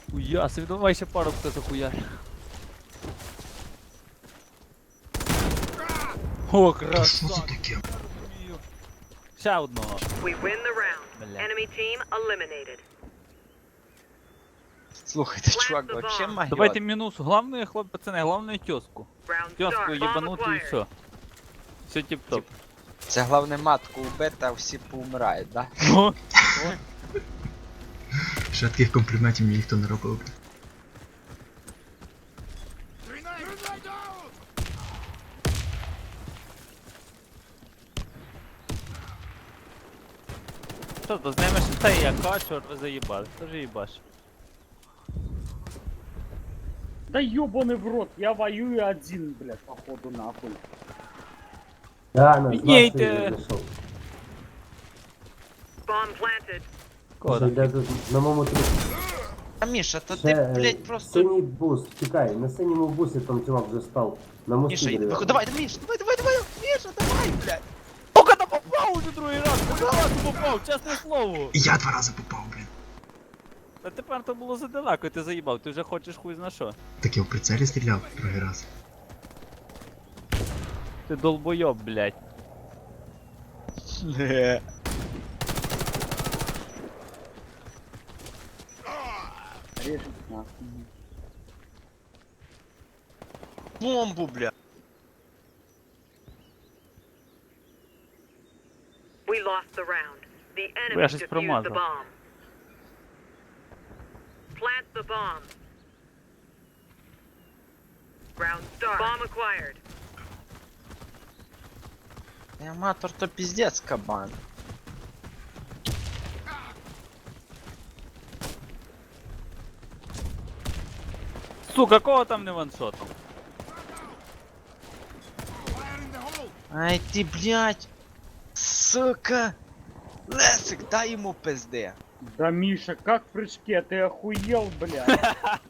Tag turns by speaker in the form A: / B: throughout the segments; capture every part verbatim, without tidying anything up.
A: Хуяси, давай ще пару хто захуя. О,
B: Та що це
A: красавчик.
B: таке?
A: Ще одного.
C: We win the round.
A: Бля.
C: Enemy team eliminated.
D: Слухайте, чувак, вообще магіот.
A: Давайте мінус. Главное, хлоп, пацани, главное тёску.
C: Round
A: Тёску
C: start. Bomb
A: єбанути і
C: acquired.
A: все. Все тип-топ.
D: Це головне матку вбити, а всі поумирають, да?
A: Ну,
B: Ще таких компліментів мені ніхто не робив.
A: що то, з ними ще та яка, чорт ви заїбали. Хто ж їбаш?
E: Да ёбаный в рот, я воюю один, блядь, походу нахуй.
F: Да, на
A: Піднійте.
F: двадцять зайшов.
C: Bomb planted.
A: Кода.
F: Йде тут на моєму трі.
D: А Міша, то
F: Ще,
D: ти,
F: е,
D: блядь, просто...
F: Синій бус, чекай, на синьому бусі там чувак вже став. На мості
D: Міша, іди,
F: дерев'яному.
D: давай, Міша, давай, давай, давай, Міша, давай, блядь.
A: Сука, та попав уже другий раз! Другий раз попав, чесне слово!
B: І я два рази попав, блін.
A: Та тепер то було задалеко, ти заїбав, ти вже хочеш хуй зна що.
B: Так я в прицелі стріляв другий раз.
A: Ти долбойоб, блядь.
E: Режет нахуй.
D: Бомбу, бля.
C: We lost the round. The
A: Я
C: enemy
A: щось
C: defused the
A: промазав.
C: bomb. Plant the bomb. Round start. Bomb acquired.
D: Аматор то пиздец, кабан.
A: Сука, кого там не ваншотом?
D: Ай ты, блядь. Сука. Лесик, дай ему пизды.
E: Да, Миша, как в прыжке, ты охуел, блядь.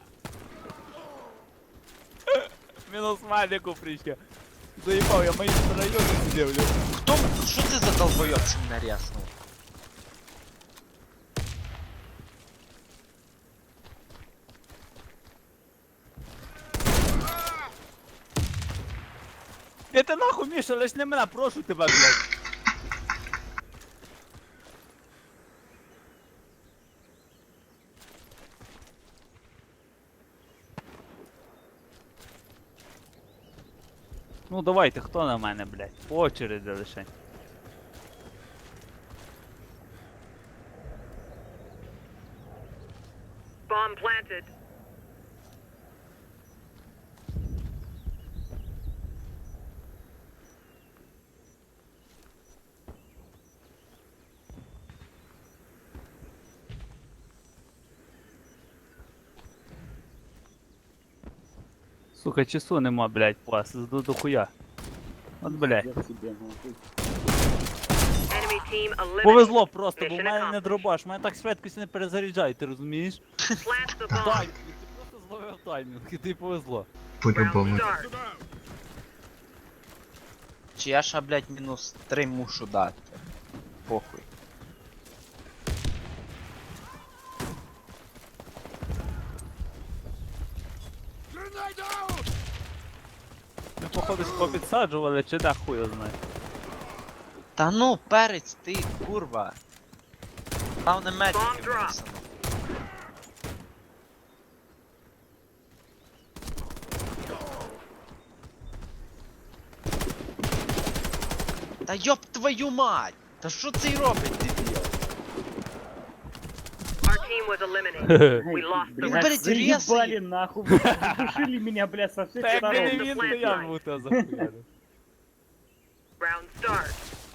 A: Мінус Маліку прийшли. Заїбав, я мої райони сидів, блядь.
D: Кто? Что ты за долбоёб наряснул?
A: Я ти нахуй, Міша, лиш не мене, прошу тебе, блядь. Ну давайте, хто на мене, блядь? По очереді лише.
C: Bomb planted.
A: Сука, часу нема, блядь, вас, зду до хуя. От, блядь.
E: Я тебе нахуй.
C: Enemy team eliminated.
A: Повезло просто, бо в
C: Mission
A: мене не
C: accomplished.
A: дробаш, мене так швидкість не перезаряджає, ти розумієш?
C: Plant the bomb.
A: Таймінг, ти просто зловив таймінг, і тобі повезло.
C: Round
B: По-любому.
C: start.
D: Чи я ще, блядь, мінус три мушу дати. Похуй.
A: Ми походу попідсаджували, чи да хуй його знає.
D: Та ну, перець, ти, курва. Там не
C: Bomb
D: медики
C: drop.
D: написано. Та йоп твою мать! Та що цей робить, дебіл?
C: Our team was eliminated. We lost the
E: Блядь,
C: round.
D: блядь, резай.
E: заебали нахуй, блядь, задушили меня, блядь, со всех
A: Та якби не
E: сторон.
A: він, то я б у тебе захуярив.
C: Round start.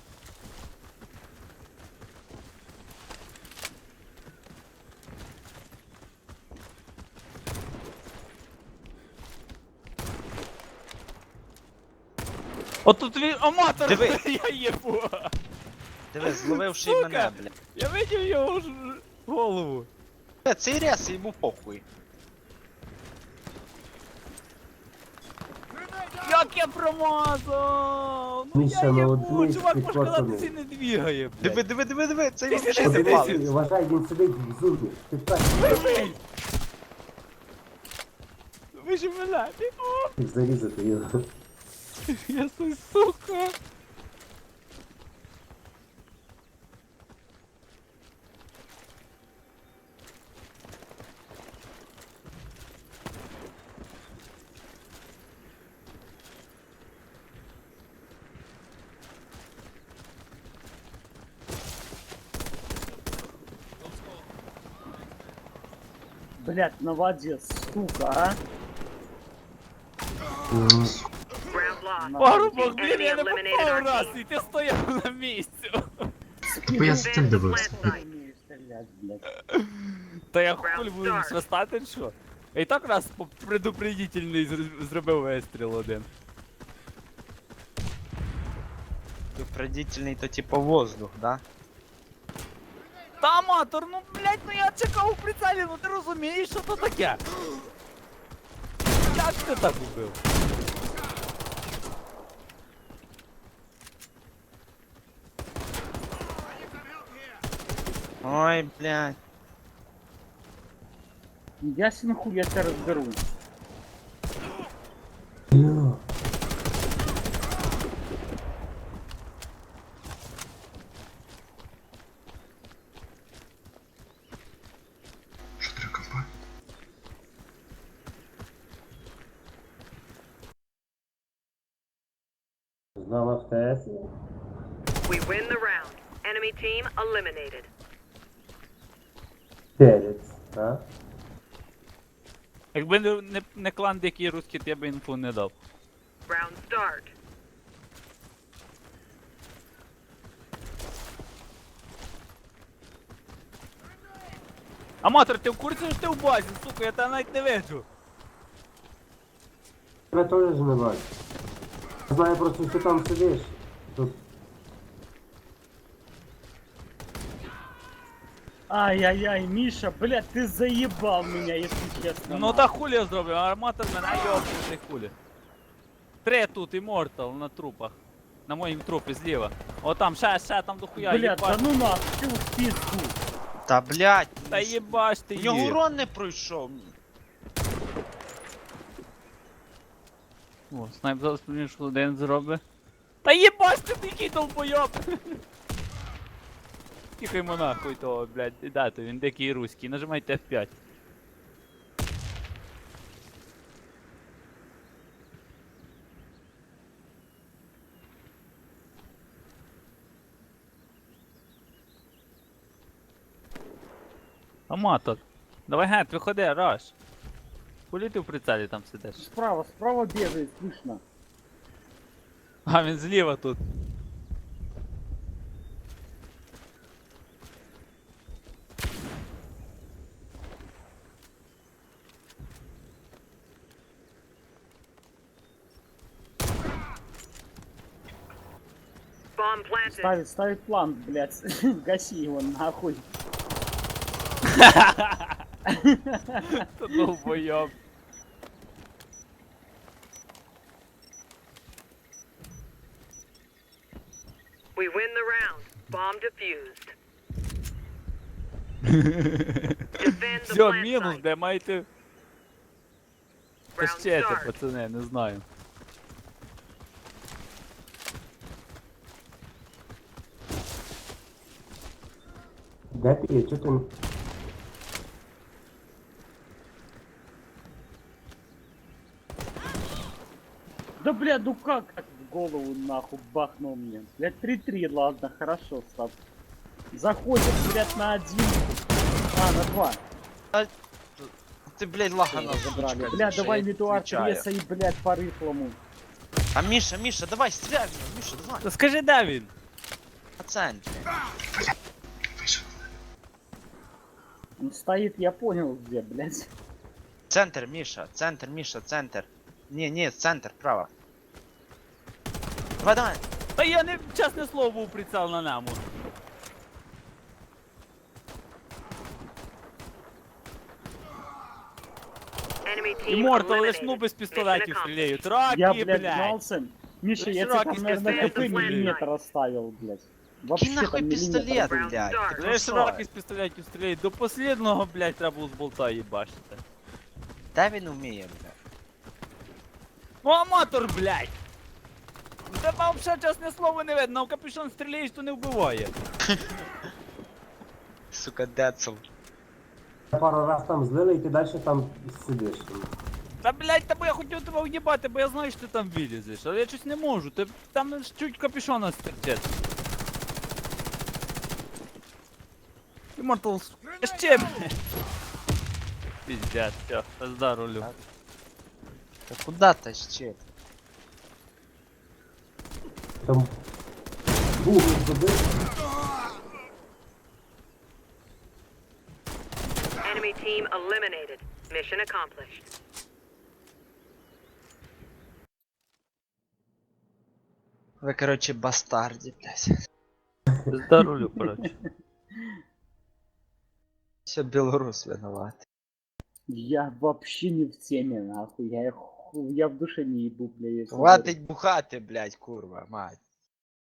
A: От тут він аматор,
D: Диви.
A: я їбу.
D: Диви, зловивши й
A: Сука.
D: мене, блядь.
A: Я видів його ж голову.
D: Бля, цей рез йому похуй.
A: Як я промазав! Ну
F: Міша,
A: я
F: ну
A: їбу,
F: от ми
A: чувак, може
F: підхватили.
A: казати, не двігає,
D: Диви,
A: блядь.
D: диви, диви, диви, цей
A: Ти
D: взагалі
A: ще
D: не
A: дивись.
D: палець.
F: Вважай, він сидить в зубі. Ти так.
A: Диви! ж, блядь.
F: Їх зарізати його.
A: Я су- сука.
E: Блядь, на воде, сука, а?
F: М,
C: Round lost.
A: Парубок, блін,
C: Enemy
A: я не
C: eliminated
A: попав
C: our
A: раз,
C: team.
A: і ти стояв на місці.
B: Та бо я з цим дивився.
E: Не умею стрелять, блядь.
A: Та я
C: Round
A: хуй буду
C: start.
A: свистати, чи що? Я і так раз по- предупредительний зр- зробив вистріл один.
D: Предупредительний то типа воздух, да?
A: Та аматор, ну блять, ну я чекав у прицелі, ну ти розумієш, що то таке? Як ти так убив?
D: Ой, блядь.
E: Ясен хуй, я тебя разберу.
F: йо.
B: Що треба компа?
F: Знала в ТС.
C: We win the round. Enemy team eliminated.
F: Перець, а?
A: Якби не, не, не клан Дикий Русський, то я би інфу не дав.
C: Round start.
A: Аматор, ти в курсі, що ти в базі, сука, я тебе навіть не виджу.
F: Тебе теж не бачу. Знаю просто, що там сидиш. Тут
E: Ай-яй-яй, Миша, блядь, ты заебал меня, если честно.
A: Ну та хулі я зроблю, а арматор мене йобнутий хулі. Три тут, імортал на трупах. На моїм трупі зліва. О там, ще, ще там дохуя,
E: Блядь, да
A: їбаш.
E: ну нахуй, ты в пизду.
D: Та блядь.
A: Та їбаш ти
D: У нього
A: їх.
D: урон не пройшов.
A: О, снайп зараз мені що один зробить. Та їбаш ти який долбойоб! Тихаймо нахуй того, блядь, і дати, він дикий руський, нажимайте еф п'ять. Аматор, давай гет, виходи, раш. Кулі ти в прицелі там сидиш?
E: Справа, справа бегает, слышно.
A: А він зліва тут.
C: Bomb planted.
E: Ставит, ставит план, блядь. Гаси его нахуй.
A: Та долбойоб.
C: We win the round. Bomb defused. Defend the
A: Все,
C: plant
A: мінус,
C: site.
A: де маєте
C: Round
A: пощети,
C: start.
A: пацани, не знаю.
F: де ти є? Чого ти?
E: Да, блядь, ну как, как в голову нахуй бахнул мне. Блядь, три-три, ладно, хорошо, став. Заходит, блядь, на один. А, на два.
D: Ти, блядь, лагана
E: Забрали.
D: сучка,
E: Бля,
D: що
E: давай
D: я
E: Митуар
D: відвічаю.
E: Треса и, блядь, по рыхлому.
D: А Міша, Міша, давай, стріляй в нього, Міша, давай.
A: Та скажи, де він?
D: На центрі.
B: Вийшов.
E: Он стоит, я понял, где, блядь.
D: Центр, Міша, центр, Міша, центр. Ні, ні, центр, право. Давай, давай.
A: Та я не, чесне слово, був прицел на ньому.
C: Enemy team
A: Імортал лиш
C: eliminated.
A: ну без
C: Mission
A: пістолетів
C: accomplished.
A: стріляють. Раки,
E: Я, блядь,
A: блядь.
E: гнался. Миша,
A: Ну,
E: я тебе
A: широкий
E: там, наверное,
C: пистолет.
E: хп миллиметр оставил, блядь. Вообще
D: Кинь нахуй
E: там миллиметр.
D: пістолет,
C: Round
D: блядь.
C: start.
D: Ти
A: Лиш
D: що?
A: раки з пістолетів стріляють. До послідного, блядь, треба було з болта їбашити.
D: Де він вміє, блядь?
A: Ну аматор, блядь! У тебе взагалі чесне слово не видно, а в капюшон стріляєш, то не вбиває.
D: Сука, децл.
F: Пару раз там злили, і ти далі там сидиш.
A: Та блядь, та бо я хотів тебе уїбати, бо я знаю, що ти там вилізеш, але я щось не можу, ти там ж чуть капюшона стерчить. Immortals, ще, блядь. Пиздец, все, пизда рулю.
D: Та куда тащить?
F: Там бух забив.
C: Enemy team eliminated. Mission accomplished.
D: Ви, короче, бастарди, блядь.
A: Пизда рулю, короче.
D: Все белорус виноват.
E: Я вообще не в теме, нахуй. Я, ху- я в душе не ебу, бля. если-
D: Хватить бухати, блядь, курва, мать.